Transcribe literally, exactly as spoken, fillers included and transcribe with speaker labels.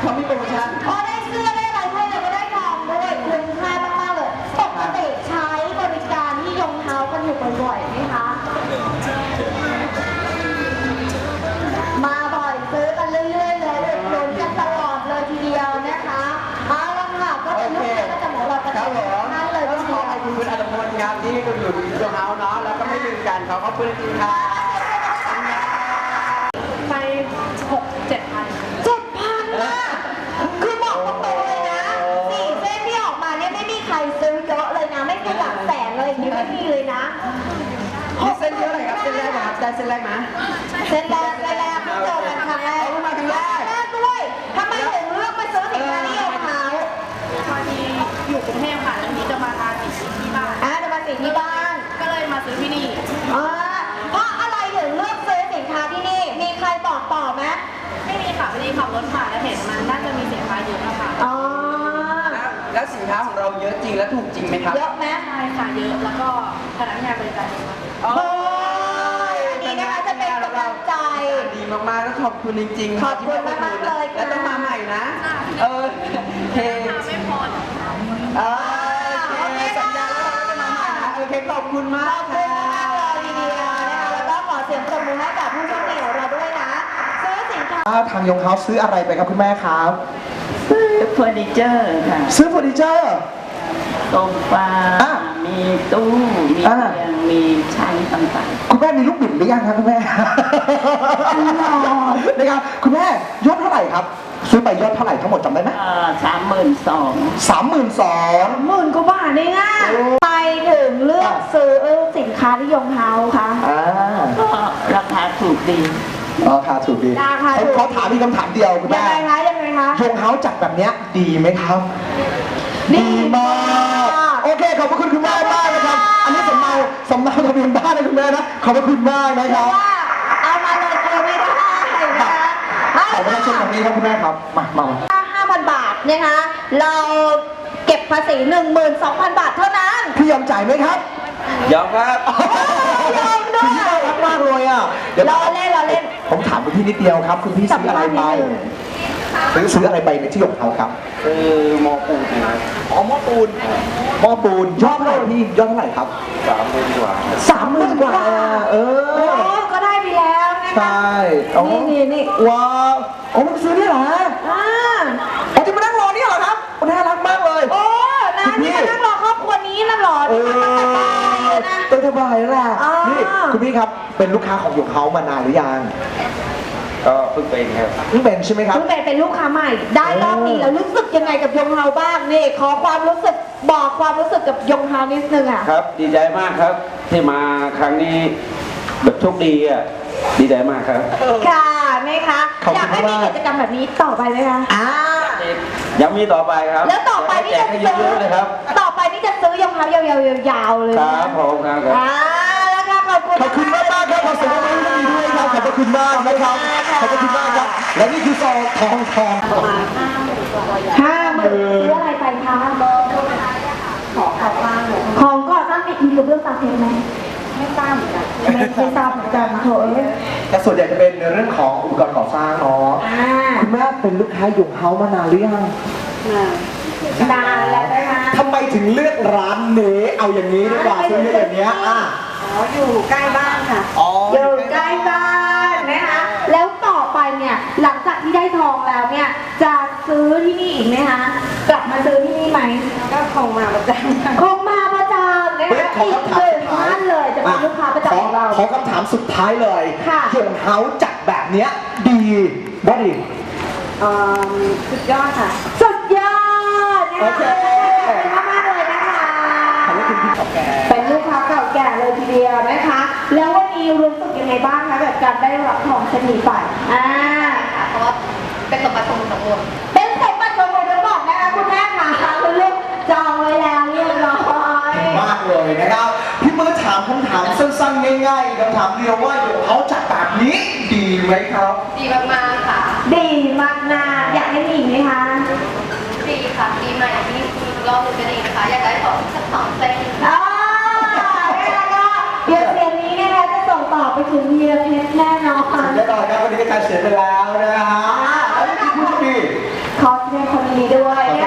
Speaker 1: เขามีโปรโมชั่น
Speaker 2: อ๋อได้เสื้อได้อะไรด้วยเลยก็ได้ทองด้วยคุ้มค่ามากๆเลยปกติใช้บริการที่ยงเท้ากันอยู่บ่อยๆไหมคะมาบ่อยซื้อกันเรื่อยๆเลยอุดหนุนกันตลอดเลยทีเดียวนะคะเอาละค่ะก็เป็นลูกค้าประจำของเราประจำท่านเลย
Speaker 1: ต้องขอขอบคุณคุณอัตพลครับที่ให้คุณอยู่ที่โรงเฮาเนาะแล้วก็ไม่ลืมกันเขาขอบคุณจริงๆครับ
Speaker 3: ไปหกเจ็ดพัน
Speaker 2: เจ็ดพันนะคือบอกตรงๆเลยนะสี่เส้นที่ออกมาเนี่ยไม่มีใครซื้อเยอะเลยนะไม่มีหลักแสนเลยอย่างนี้ไม่มีเลยนะ
Speaker 1: นี่เส้นเยอะเลยครับเส้นแรกครับได้เส้นแรกไหม
Speaker 2: เส้นแรกเส้นแรกเพิ่งเจอกันครั้งแรก
Speaker 1: มาครั้งแรก
Speaker 2: แรกด้วยทำไมถึงเลือกมาซื้อสินค้าที่ยงเท้า
Speaker 3: พอดีอยู่กรุงเทพค่ะแล้วนี้จะมาทานสีที่บ้าน
Speaker 2: อ่าจะมาสิที่บ้าน
Speaker 3: ก็เลยมาซื้อที่นี่
Speaker 2: อ่าเพราะอะไรถึงเลือกซื้อสินค้าที่นี่มีใครบอกต่อไหม
Speaker 3: ไม่มีค่ะพอดีขับรถผ่านแล้วเห็นมันน่าจะมีสินค้าเยอะค่ะ
Speaker 2: อ๋อ
Speaker 1: แล้วสินค้าของเราเยอะจริงและถูกจริงไหมครับ
Speaker 2: เยอะไหม
Speaker 3: ใช่ค่ะเยอะแล้วก็พนักงานบริการดีมาก
Speaker 2: โอ้ยอันนี้นะคะจะเป็นกำลังใจ
Speaker 1: ดีมากๆแล้วขอบคุณจริงๆ
Speaker 2: ขอบคุณมากๆเลยค่ะ
Speaker 1: แล้วต้องมาใหม่นะเออเค
Speaker 3: ไม่พอ
Speaker 2: เออ
Speaker 1: โอเคสัญญาแล้วเราจะมาใหม่นะโอเคขอบคุณมาก
Speaker 2: ขอบคุณมากเลยทีเดียวนะคะแล้วก็ขอเสียงปรบมือให้กับผู้โชคดีของเราด้วยนะซื้อสินค้า
Speaker 4: ทางยงเฮาซื้ออะไรไปครับคุณแม่ครับ
Speaker 5: ซื้อเฟอร์นิเจอร์ค่ะ
Speaker 4: ซื้อเฟอร์นิเจอร์
Speaker 5: โซฟามีตู้มีเตียงมีชั้นต่าง
Speaker 4: ๆคุณแม่มีลูกบิดหรือยังครับคุณแม่นะครับคุณแม่ยอดเท่าไหร่ครับซื้อไปยอดเท่าไหร่ทั้งหมดจำได้ไหม
Speaker 5: สามหมื่นสอง
Speaker 4: สามหมื่นสอง
Speaker 2: หมื่นกว่าบาทเองอ่ะไปถึงเลือกซื้อสินค้าที่ยงเฮาค่ะ
Speaker 5: ก็ราคาถูกดี
Speaker 4: ราคาถูกดีผมขอถามมีคำถามเดียวคุณแม่
Speaker 2: ยังไงคะยังไงคะ
Speaker 4: ยงเฮาจัดแบบนี้ดีไหมครับดีมากโอเคขอบพระคุณคุณแม่มากนะครับอันนี้สำเนาสำเนาทะเบียนบ้านนะคุณแม่นะขอบพระคุณมากนะครับ
Speaker 2: เอามาเลยเกลียวไม่ได้นะคะ
Speaker 4: ขอบพระคุณแบบนี้ครับคุณแม่ครับมามา
Speaker 2: ห้าพันบาทนะคะเราเก็บภาษีหนึ่งหมื่นสองพันบาทเท่านั้น
Speaker 4: พี่ยอมจ่ายไหมครับ
Speaker 1: ยอมครับ
Speaker 2: ยอมด้วย
Speaker 4: น่ารักมากเลยอ่ะ
Speaker 2: รอเล่นรอเล่น
Speaker 4: ผมถามคุณพี่นิดเดียวครับคุณพี่ซื้ออะไรไปซื้อซื้ออะไรไปในที่ยงเฮาครับ
Speaker 1: คือหม้อปูนครับ
Speaker 4: อ๋อหม้อปูนหม้อปูนยอดเท่าไหร่พี่ยอดเท่าไหร่ครับ
Speaker 1: สามหมื่นกว่า
Speaker 4: สามหมื่นกว่าเอ
Speaker 2: อก็ได้ไปแล้วนะคะ
Speaker 4: ใช่
Speaker 2: นี่นี่นี่
Speaker 4: ว้าวโอ้มันซื้อได้เหรอ
Speaker 2: อ่า
Speaker 4: อ๋อที่มานั่งรอนี่เหรอครับน่ารักมากเลย
Speaker 2: โอ้นะนี่มานั่งรอครอบครัวนี้นะหรอ
Speaker 4: เออต้องสบายแหละนี่คุณพี่ครับเป็นลูกค้าของยงเฮามานานหรือยัง
Speaker 1: ก็เพิ่งเป็นครับ
Speaker 4: เพิ่งเป็นใช่ไหมครับ
Speaker 2: เพิ่งเป็นเป็นลูกค้าใหม่ได้รอบนี้แล้วรู้สึกยังไงกับยงเฮาบ้างนี่ขอความรู้สึกบอกความรู้สึกกับยงเฮานิดนึงอ่ะ
Speaker 1: ครับดีใจมากครับที่มาครั้งนี้แบบโชคดีอ่ะดีใจมากครับ
Speaker 2: ค่ะนะคะอยากให้มีกิจกรรมแบบนี้ต่อไปไหมคะอ่า
Speaker 1: ยังมีต่อไปครับ
Speaker 2: แล้วต่อไปนี่จะ
Speaker 1: ซื้อเลยครับ
Speaker 2: ต่อไปนี่จะซื้อยงเฮายาวๆๆเลย
Speaker 1: ครับผมครับ
Speaker 2: อ่าแล้วค่ะขอบคุณ
Speaker 4: ขอบคุณมากมากครับขอเสียงปรบมือให้ด้วยครับขอบคุณมากนะครับขอบคุณมากครับและนี่คือซองทองทอง
Speaker 2: ห้าหมื่นซื้ออะไรไปคะของก่อสร้างของก่อสร้างมีมีกระเบื้องตาเทไหมไม่ทราบเหมือนกันไม่ไม่ทราบเหมือนกันโถเอ้ย
Speaker 4: แต่ส่วนใหญ่จะเป็นในเรื่องของอุปกรณ์ก่อสร้างเนาะคุณแม่เป็นลูกค้ายงเฮามานานหรือยัง
Speaker 2: นานแล้วนะคะ
Speaker 4: ทำไมถึงเลือกร้านนี้เอาอย่างนี้ดีกว่าซื้ออย่างนี้อ่ะ
Speaker 2: อ๋ออยู่ใกล้บ้านค่ะอ๋ออยู่ใกล้บ้านนะคะแล้วต่อไปเนี่ยหลังจากที่ได้ทองแล้วเนี่ยจะซื้อที่นี่อีกไหมคะกลับมาซื้อที่นี่ไหมก็คงมาประจำคงมาประจำนะคะอีกหนึ่งท่านเลยจะเป็นลูกค้าประจำของเรา
Speaker 4: ขอคำถามสุดท้ายเลยยงเฮาจัดแบบเนี้ยดีว่าดี
Speaker 2: สุดยอดค่ะสุดยอดนะคะขอบคุณมากเลยนะคะเป็นลูกค้าเก่าแก่เลยทีเดียวนะคะแล้ววันนี้รู้สึกยังไงบ้างคะแบบการได้รับทองชนิดไปอ่าเพราะว่าเป็นสมบัติของสมบูรณ์เป็นสมบัติของสมบูรณ์จะบอกนะคะคุณแม่ค่ะคุณลูกจองไว้แล้วเรียบร้อย
Speaker 4: มากเลยนะครับพี่มือถามคำถามสั้นๆง่ายๆคำถามเดียวว่ายงเฮาจัดแบบนี้ดีไหมครับ
Speaker 3: ดีมากๆค่ะ
Speaker 2: ดีมากนาอยากให้มีไหมคะ
Speaker 3: ดีค่ะดีใหม่ที่รอบนึงจะดีนะคะอยากได้สองสักสองเส้น
Speaker 2: อ๋อแล้วก็เดี๋ยวเสียงนี้นะคะจะส่งต่อไปถึงเฮียเพชรแน่นอน
Speaker 4: แน่นอนครับวันนี้การเสียไปแล้วนะฮะแล้วนี่คือผู้โชคดี
Speaker 2: ขอด้วย
Speaker 4: ขอแส